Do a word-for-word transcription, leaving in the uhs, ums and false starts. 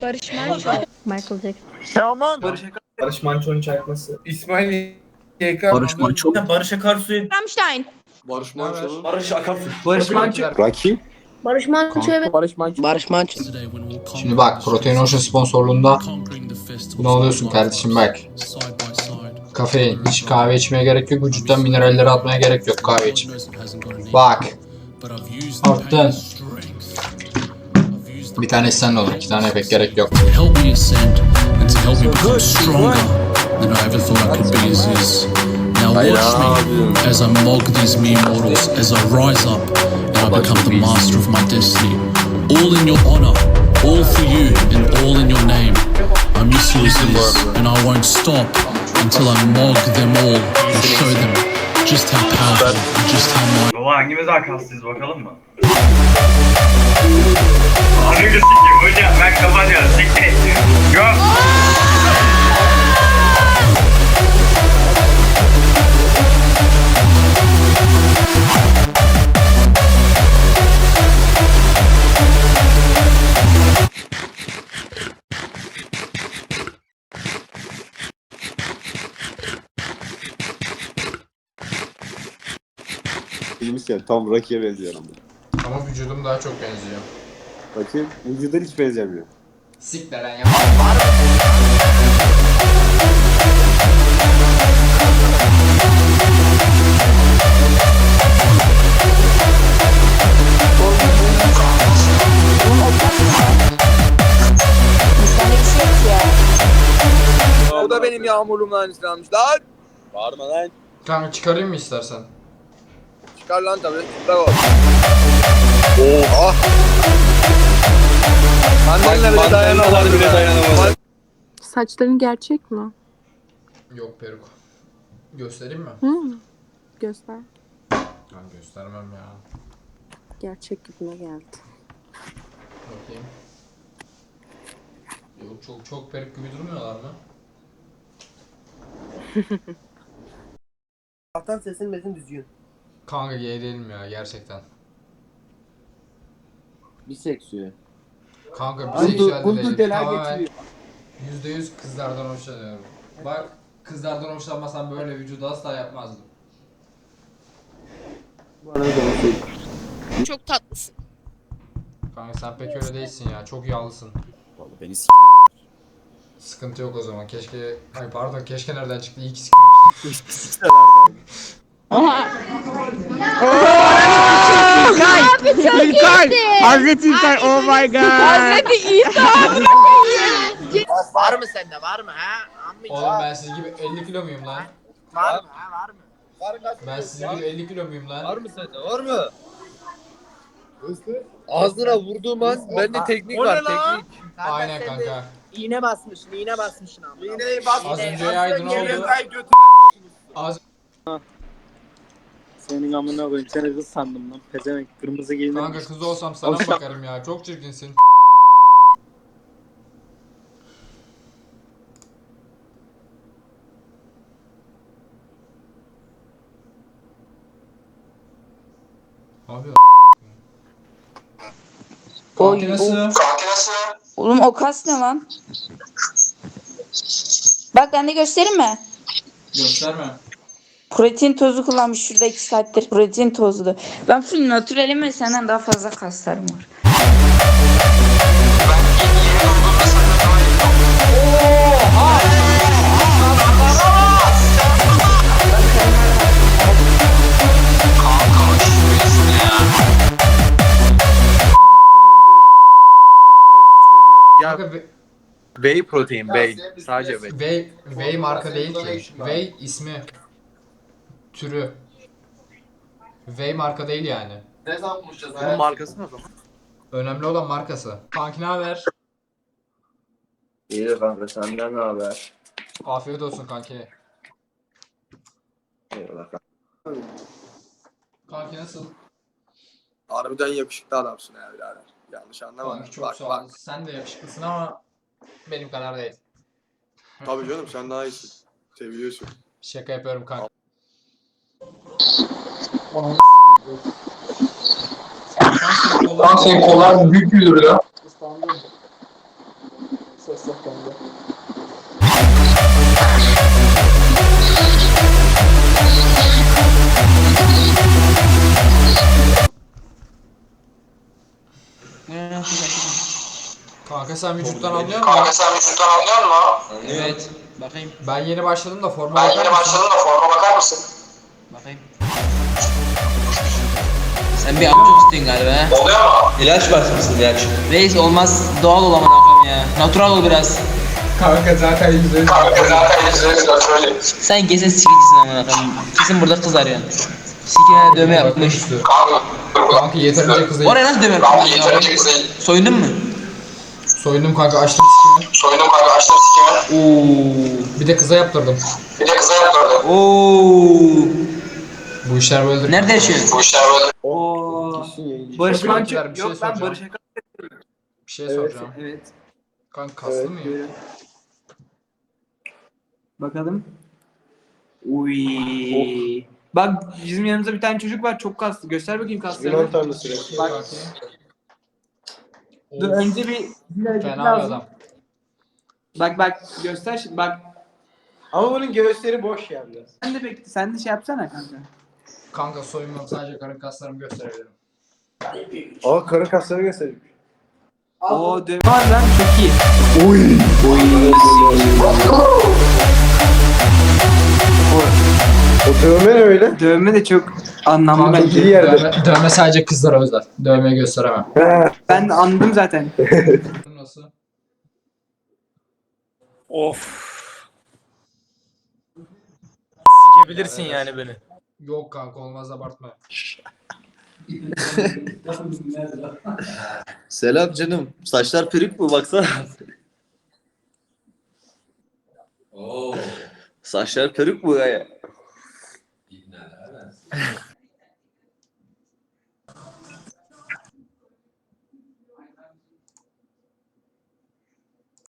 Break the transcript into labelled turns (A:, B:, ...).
A: Barış Manço.
B: Michael Jackson.
C: Teoman.
D: Barış Akar.
E: Barış Manço'nun çarpması.
D: İsmail Y K.
C: Barış Manço.
D: Barış Akarsu'yu.
A: Rammstein.
F: Barış Manço.
D: Barış Akarsu.
E: Barış Manço.
F: Rakip.
B: Barış Manço evet.
E: Barış Manço.
C: Barış Manço.
G: Şimdi bak, Protein Ocean sponsorluğunda bunu alıyorsun kardeşim bak. Kafein. Hiç kahve içmeye gerek yok. Vücuttan mineralleri atmaya gerek yok kahve için. Bak. Arttın. Bir tanesi sen olur. İki tane pek gerek yok.
H: Help me ascend and to help me become stronger than I ever thought I could be as is. Now watch me as I mog these mere mortals, as I rise up and I become the master of my destiny. All in your honor, all for you and all in your name. I'm used to this and I won't stop until I mog them all and show them just how powerful and just how mighty.
D: Baba hangimiz daha kaslıyız bakalım mı? Ananı sikeyim hocam ben kapatıyorum siktir et. Yok.
F: Bilmişken tam Rocky'ye benziyorum.
G: Ama vücudum daha çok benziyor.
F: Bakayım vücudan hiç benzemiyor.
G: Sik de lan ya.
E: O da benim yağmurluğumla aynısını almış lan.
F: Bağırma lan.
G: Kanka çıkarayım mı istersen?
E: Çıkar lan tabii. Bravo. Oha. Annenle bile dayanamadı bile dayanamadı.
B: Saçların gerçek mi?
G: Yok, peruk. Göstereyim mi?
B: Hı. Göster.
G: Ben göstermem ya.
B: Gerçek gibime geldi.
G: Bakayım. Yok, çok çok peruk gibi durmuyorlar mı?
C: Allah'tan sesin mesin düzgün.
G: Kanka gay değilim ya gerçekten.
F: Biseksüel.
G: Kanka biseksüel de değilim.
F: deler
G: Tamamen
F: getiriyor.
G: yüzde yüz kızlardan hoşlanıyorum. Bak, kızlardan hoşlanmasam böyle vücudu asla yapmazdım.
F: Bana da olsun.
A: Çok tatlısın.
G: Kanka sen pek öyle değilsin ya, çok yağlısın.
F: Vallahi beni s**mediler.
G: Sıkıntı yok o zaman, keşke... Ay pardon, keşke nereden çıktı, iyi ki s**memiştim.
C: Hazreti İlkay oh my god.
A: Hazreti İsa.
C: Var mı sende var mı ha?
G: Oğlum ben siz gibi elli kilo muyum lan?
C: Var mı ha var mı?
G: Ben siz gibi elli kilo muyum lan?
E: Var mı sende? Var mı? Ağzına vurduğum an bende teknik
C: O ne
E: var
C: lan?
E: teknik.
G: Aynen
C: sen
G: kanka.
C: de İğne basmışsın, iğne basmışsın abi.
E: İğneyi bas.
G: Az önce yaydın oldu. Az
I: Senin amına koyayım, seni kız sandım lan. Pezevenk kırmızı giyinmiş.
G: kanka kız olsam sana mı bakarım ya, çok çirkinsin. Abi
J: Oy,
G: nasıl?
J: oğlum o kas ne lan? Bak ben de göstereyim mi?
G: Gösterme.
J: Protein tozu kullanmış şurada iki saattir. Protein tozlu. Ben full naturalim ve senden daha fazla kaslarım var.
G: Kanka ve-
E: Whey protein, whey. Sadece whey.
G: Whey, Whey marka değil ki. Whey ismi. Türü. Whey marka değil yani.
E: Bunun markası ne o zaman?
G: Önemli olan markası. Kanki ne haber?
E: İyi kanka senden ne haber?
G: Afiyet olsun kanki.
E: Eyvallah kanka.
G: Kanki nasıl?
E: Harbiden yakışıklı adamsın ya birader. Yanlış anlama.
G: Kanki çok
E: Bak
G: sağ ol.
E: bak.
G: Sen de yakışıklısın ama benim kadar değil.
E: Tabii canım sen daha iyisin. Seviyorsun.
G: Şaka yapıyorum kanka.
K: Lan senin kollar büyük müdür ya?
I: ses yok bende.
G: Kanka sen vücuttan anlıyor musun?
E: Kanka sen vücuttan anlıyor musun?
F: Evet. Bakayım.
G: Ben yeni başladım da forma
E: Ben
G: bakar
E: yeni
G: mısın?
E: başladım da forma bakar mısın?
F: Bakayım. Sen bir amcuk istiyorsun galiba ha?
E: Oluyor mu?
F: İlaç basmışsın ilaç. Reis olmaz doğal ol amına ya. Natural ol biraz.
G: Kanka zaten yüzde
E: Kanka zaten yüzde yüz söyleyeyim.
F: Sen kesin sikicisin amına koyayım. Kesin burada kız arıyorsun. Sikine dövme yapmış.
E: Kanka.
G: Kanka yeterince kızı.
F: Oraya nasıl dövme
E: Kanka
F: yapmış?
E: yeterince kız değil.
F: Soyundun mu?
G: Soyundum kanka, açtım sikimi.
E: Soyundum kanka açtım sikimi.
F: Oo.
G: Bir de kıza yaptırdım.
E: Bir de kıza yaptırdım.
F: Oo.
G: Bu işler böyledir.
F: Nerede yaşıyorsun?
E: Bu işler böyle.
I: Oo.
G: Barış
I: Barış Manço.
G: Manço- bir şey
I: Yok lan
G: soracağım.
I: Barış Akar.
G: Bir şey
I: Evet.
G: soracağım.
I: Evet.
G: Kanka kaslı mıyım?
I: böyle. Bakalım. Uy. Bak bizim yanımızda bir tane çocuk var çok kaslı. Göster bakayım kaslarını. Bak. Dur
G: Of,
I: önce bir bir hareket
G: fena bir
I: lazım.
G: adam.
I: Bak bak göster şimdi bak.
K: Ama bunun göğüsleri boş ya biraz.
I: Sen de bekle sen de şey yapsana kanka.
G: Kanka soyunmam, sadece karın kaslarımı gösterebilirim.
K: Aa karın kasları gösteriyor.
I: Oo dövme var lan çok iyi.
K: O dövme ne öyle?
I: Dövme de çok anlamlı
G: Kanka
I: bence.
K: iyi yerde.
G: dövme, dövme sadece kızlara özel. Dövmeyi gösteremem.
I: Ben de anladım zaten.
G: Nasıl?
C: Sikebilirsin yani beni.
G: Yok kanka, olmaz, abartma.
F: Selam canım. Saçlar peruk mu baksana. Oo. Saçlar peruk mu ya?